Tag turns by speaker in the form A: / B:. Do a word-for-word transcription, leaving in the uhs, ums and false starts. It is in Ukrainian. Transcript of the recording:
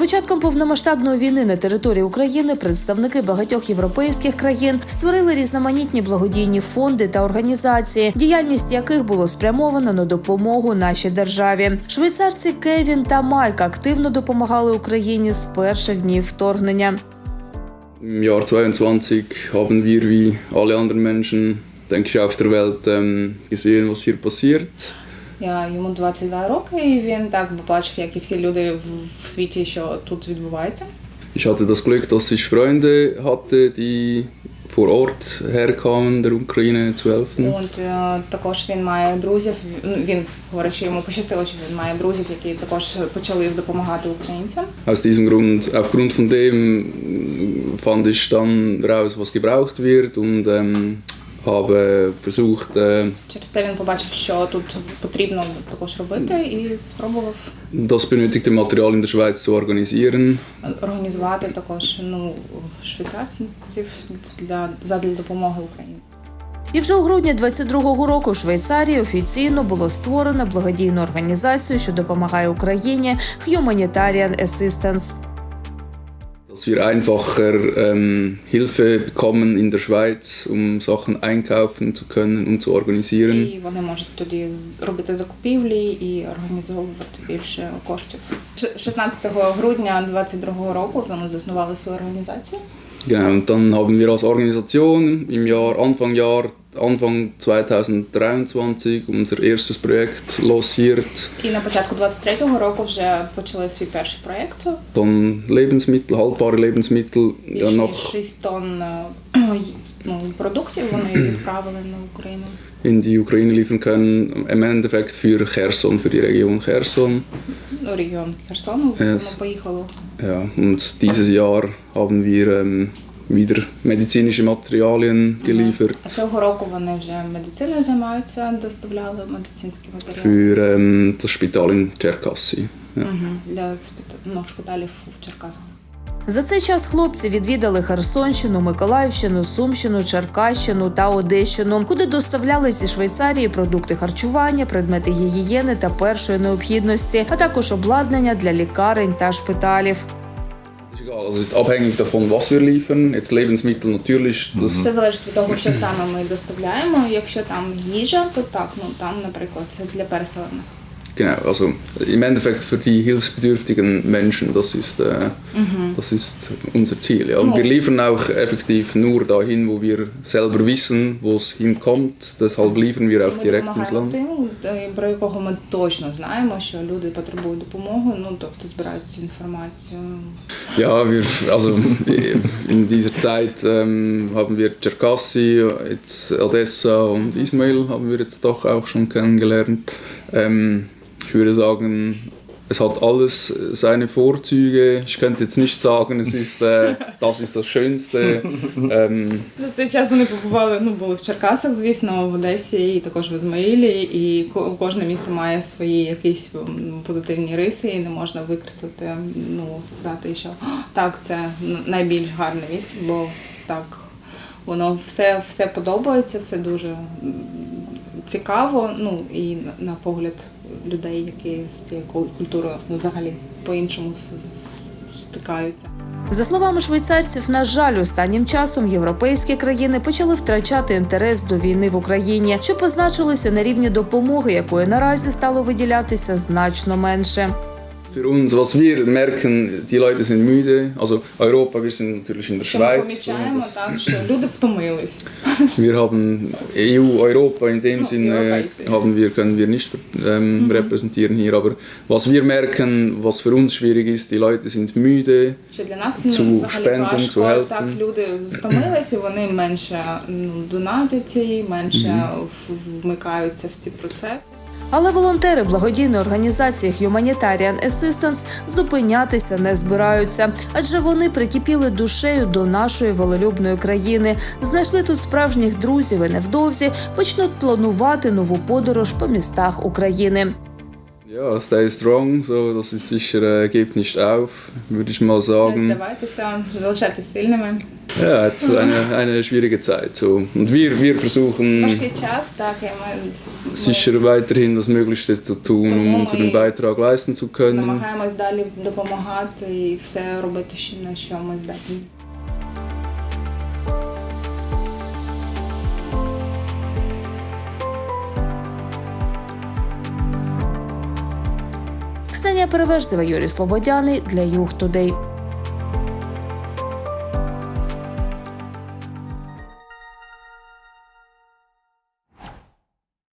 A: початком повномасштабної війни на території України представники багатьох європейських країн створили різноманітні благодійні фонди та організації, діяльність яких було спрямовано на допомогу нашій державі. Швейцарці Кевін та Майк активно допомагали Україні з перших днів вторгнення.
B: Im Jahr zweiundzwanzig haben wir wie alle anderen Menschen, denke ich, auf der Welt ähm, gesehen, was hier passiert.
C: Я, йому двадцять два роки, і він так побачив, як і всі люди в, в світі, що тут відбувається.
B: Ich hatte das Glück, dass ich Freunde hatte, die vor Ort herkamen, der Ukraine zu helfen.
C: Und, е, також він має друзів, він говорить, що йому пощастило, що він має друзів, які також почали допомагати українцям.
B: Aus diesem Grund, aufgrund von dem fand ich dann raus, was gebraucht wird und ähm, habe versucht, äh,
C: Через це він побачив, що тут потрібно також робити, і спробував
B: das benötigte Material in der Schweiz zu organisieren.
C: організувати також ну, швейцарців для, задля допомоги Україні.
A: І вже у грудні двадцять другого року в Швейцарії офіційно було створено благодійну організацію, що допомагає Україні Humanitarian Assistance.
B: Dass wir einfacher ähm, Hilfe bekommen in der Schweiz, um Sachen einkaufen zu können und zu organisieren.
C: І вони можуть тоді робити закупівлі і організовувати більше коштів. шістнадцятого грудня двадцять другого року вони заснували свою організацію.
B: Genau, und dann haben wir als Organisation im Jahr, Anfang Jahr, Anfang zweitausenddreiundzwanzig unser erstes Projekt lanciert.
C: І на початку двадцять третього року вже почали свій перший проєкт.
B: Dann Lebensmittel, haltbare Lebensmittel, ja,
C: Більше
B: nach
C: шість тонн е, ну, продуктів вони відправили на Україну.
B: in die Ukraine liefern können, im Endeffekt für Cherson, für die Region Cherson.
C: Ну, регіон Херсону,
B: Yes.
C: воно поїхало.
B: Ja, und dieses Jahr haben wir ähm, wieder medizinische Materialien geliefert.
C: А цього року вони вже медициною займаються, доставляли медицинські матеріали.
B: Für ähm, das Spital in Cherkassy. Ja.
C: Мгм. Для спит- ну, шпиталів в Черкасах.
A: За цей час хлопці відвідали Херсонщину, Миколаївщину, Сумщину, Черкащину та Одещину, куди доставляли зі Швейцарії продукти харчування, предмети гігієни та першої необхідності, а також обладнання для лікарень та шпиталів.
B: Ist egal, also es ist abhängig davon, was wir liefern. Jetzt Lebensmittel natürlich, das
C: Все залежить від того, що саме ми доставляємо. Якщо там їжа, то так, ну там, наприклад, це для переселених.
B: genau, also im Endeffekt für die hilfsbedürftigen Menschen, das ist, äh, das ist unser Ziel. Ja. Und wir liefern auch effektiv nur dahin, wo wir selber wissen, wo es hinkommt. Deshalb liefern wir auch
C: Ми
B: direkt ins
C: допомагаємо
B: Land.
C: тим, про якого ми точно знаємо, що люди потребують допомоги, ну тобто збирають цю інформацію.
B: Ja, wir, also in dieser Zeit ähm, haben wir Cherkassy, jetzt Odessa und Ismail haben wir jetzt doch auch schon kennengelernt. Ähm, ich würde sagen, es hat alles seine Vorzüge. Ich könnte jetzt nicht sagen, es ist, äh, das ist das Schönste. Ähm,
C: За цей час вони побували, ну були в Черкасах, звісно, в Одесі і також в Ізмаїлі, і ко- кожне місто має свої якісь м, позитивні риси, і не можна викреслити, ну сказати, що «О, так, це н- найбільш гарне місто, бо так, воно все, все подобається, все дуже м, цікаво, ну і на, на погляд людей, які з цією кул- культурою ну, взагалі по-іншому с- с- стикаються.
A: За словами швейцарців, на жаль, останнім часом європейські країни почали втрачати інтерес до війни в Україні, що позначилося на рівні допомоги, якої наразі стало виділятися значно менше.
B: Für uns, was wir merken, die Leute sind müde. Also Europa, wir sind natürlich in der
C: Що ми
B: Schweiz.
C: помічаємо,
B: Das-
C: так, що люди втомились.
B: Wir haben E U, Europa in dem
C: Ja,
B: Sinne
C: Europa.
B: haben wir, können wir nicht ähm, repräsentieren hier. Aber was wir merken, was für uns schwierig ist, die Leute sind müde.
C: Що для нас
B: Zu
C: ну, взагалі
B: spenden,
C: важко,
B: zu helfen.
C: так, люди стомилися, вони менше ну, донатять, менше в- вмикаються в ці процеси.
A: Але волонтери благодійної організації Humanitarian Assistance зупинятися не збираються, адже вони прикипіли душею до нашої волелюбної країни, знайшли тут справжніх друзів і невдовзі почнуть планувати нову подорож по містах України.
B: Ja, stay strong, so, das ist sicher, äh, gebt nicht auf, würde ich mal
C: Не
B: sagen.
C: здавайтеся, залишайтеся сильними.
B: Ja, het ist eine, eine schwierige Zeit. So. Und wir, wir versuchen
C: Важкий час, так, і ми, ми
B: sicher weiterhin das Möglichste zu tun, um unseren Beitrag leisten zu können.
C: намагаємось далі допомагати і все робити, що- на що ми здатні.
A: Ксенія Переверзева, Юрій Слободяний для Юг Тудей.